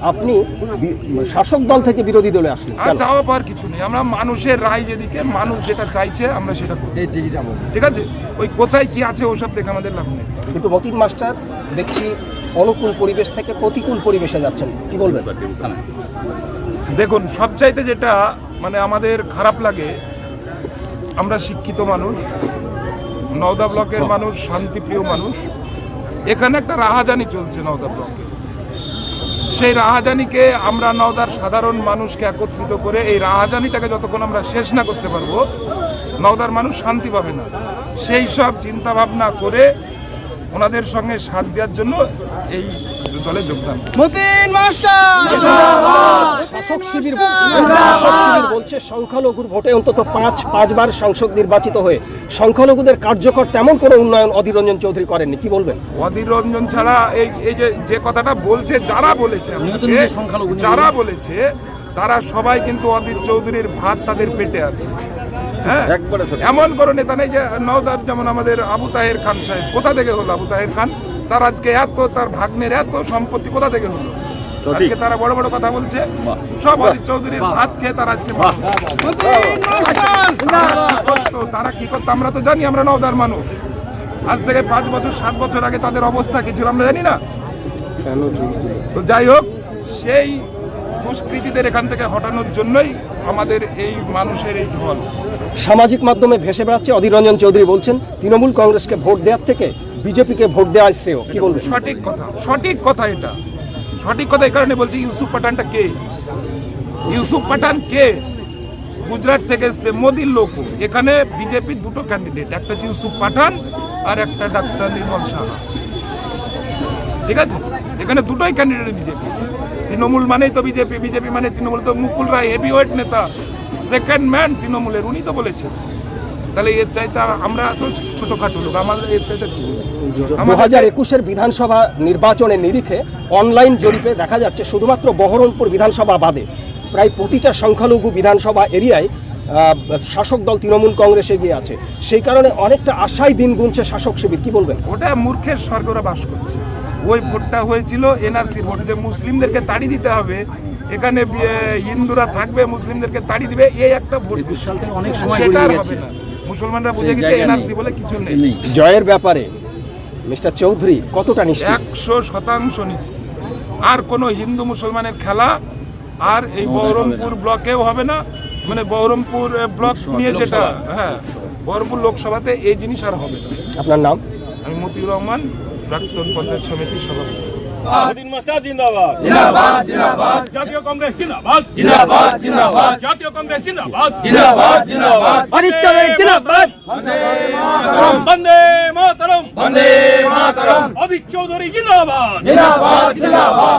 আপনি শাসক দল থেকে বিরোধী দলে আসলেন? আর যাওয়া পাওয়ার কিছু নেই, আমরা মানুষের রায় যেদিকে, মানুষ যেটা চাইছে আমরা সেটা করব, ঠিক আছে? ওই কোথায় কি আছে ওসব দেখে আমাদের লাভ নেই। কিন্তু মতিন মাস্টার দেখছি অনুকূল পরিবেশ থেকে প্রতিকূল পরিবেশে যাচ্ছেন, কি বলবেন? দেখুন, সবচাইতে যেটা মানে আমাদের খারাপ লাগে, আমরা শিক্ষিত মানুষ, নওদা ব্লকের মানুষ, শান্তিপ্রিয় মানুষ, এখানে একটা রাহাজানি চলছে নওদা ব্লকে। সেই রাহাজানিকে আমরা নওদার সাধারণ মানুষকে একত্রিত করে এই রাহাজানিটাকে যতক্ষণ আমরা শেষ না করতে পারবো, নওদার মানুষ শান্তি পাবে না। সেই সব চিন্তা ভাবনা করে ওনাদের সঙ্গে সাথ দেওয়ার জন্য এই দলে যোগদান। শাসক শিবির বলছে সংখ্যালঘুর ভোটে অন্তত পাঁচবার সংসদ নির্বাচিত হয়ে সংখ্যালঘুদের কার্যকর তেমন কোনো উন্নয়ন অধীর রঞ্জন চৌধুরী করেননি, কি বলবেন? অধীর রঞ্জন ছাড়া এই যে কথাটা বলছে, যারা বলেছে তারা সবাই কিন্তু অধীর চৌধুরীর ভাত তাদের পেটে আছে। হ্যাঁ, এমন কোনো নেতা নেই যে নওদার, যেমন আমাদের আবু তাহের খান সাহেব, কোথা থেকে হলো আবু তাহের খান? তার আজকে তার ভাগ্নের এত সম্পত্তি কোথা থেকে হলো? আজকে তারা বড় বড় কথা বলছে, সব অধীর চৌধুরীর ভাত খেয়ে তারা আজকে তারা কি করতো আমরা তো জানি, আমরা নওদার মানুষ। আজ থেকে 5 বছর 7 বছর আগে তাদের অবস্থা কি ছিল আমরা জানি না। তো যাই হোক, সেই দুষ্কৃতীদের এখান থেকে হটানোর জন্যই আমাদের এই মানুষের এই ঢল। সামাজিক মাধ্যমে ভেসে বেড়াচ্ছে অধীর রঞ্জন চৌধুরী বলছেন তৃণমূল কংগ্রেসকে ভোট দেওয়ার থেকে বিজেপিকে ভোট দেওয়া শ্রেয়, কি বলবেন? সঠিক কথা, সঠিক কথা, এটা সঠিক কথা। এই কারণে বলছি, ইউসুফ পাঠানটা কে? ইউসুফ পাঠান কে? গুজরাট থেকে এসছে, মোদির লোক। এখানে বিজেপির দুটো ক্যান্ডিডেট, একটা হচ্ছে ইউসুফ পাঠান আর একটা ডাক্তার নির্মল সাহা, ঠিক আছে? এখানে দুটোই ক্যান্ডিডেট বিজেপি। তৃণমূল মানেই তো বিজেপি, বিজেপি মানে তৃণমূল। তো মুকুল রায় হেভিওয়েট নেতা, সেকেন্ড ম্যান তৃণমূলের, উনি তো বলেছেন। তাহলে এর চাইতে আমরা তো ছোটখাটো লোক, আমাদের এর চাইতে 2021-এর বিধানসভা নির্বাচনের নিরিখে অনলাইন জরিপে দেখা যাচ্ছে শুধুমাত্র বহরমপুর বিধানসভা বাদে প্রায় প্রতিটা সংখ্যালঘু বিধানসভা এরিয়ায় শাসক দল তৃণমূল কংগ্রেস এগিয়ে আছে। সেই কারণে অনেকটা আশায় দিন গুনছে শাসক শিবির, কি বলবেন? ওটা মূর্খের স্বর্গরা বাস করছে। ওই ভোটটা হয়েছিল এনআরসি ভোট, যে মুসলিমদেরকে তাড়ি দিতে হবে, এখানে হিন্দুরা থাকবে, মুসলিমদেরকে তাড়ি দিবে, এই একটা ভোট। অনেক সময় মুসলমানরা বুঝে গেছে এনআরসি বলে কিছু নেই। জয়ের ব্যাপারে মিস্টার চৌধুরী কতটা নিশ্চিত? 100% নিশ্চিত। আর কোনো হিন্দু মুসলমানের খেলা আর এই বহরমপুর ব্লকেও হবে না। মানে বহরমপুর ব্লক নিয়ে যেটা, হ্যাঁ, বহরমপুর লোকসভাতে এই জিনিস আর হবে না। আপনার নাম? আমি মতিউর রহমান, প্রাক্তন পঞ্চায়েত সমিতির সভাপতি। মতিন মাস্টার জিন্দাবাদ, জিন্দাবাদ, জিন্দাবাদ। জাতীয় কংগ্রেস জিন্দাবাদ, জিন্দাবাদ, জিন্দাবাদ। জাতীয় কংগ্রেস জিন্দাবাদ, জিন্দাবাদ, জিন্দাবাদ। অধীর চৌধুরী জিন্দাবাদ, বন্দে মাতরম, বন্দে মাতরম, বন্দে মাতরম। অধীর চৌধুরী জিন্দাবাদ, জিন্দাবাদ, জিন্দাবাদ।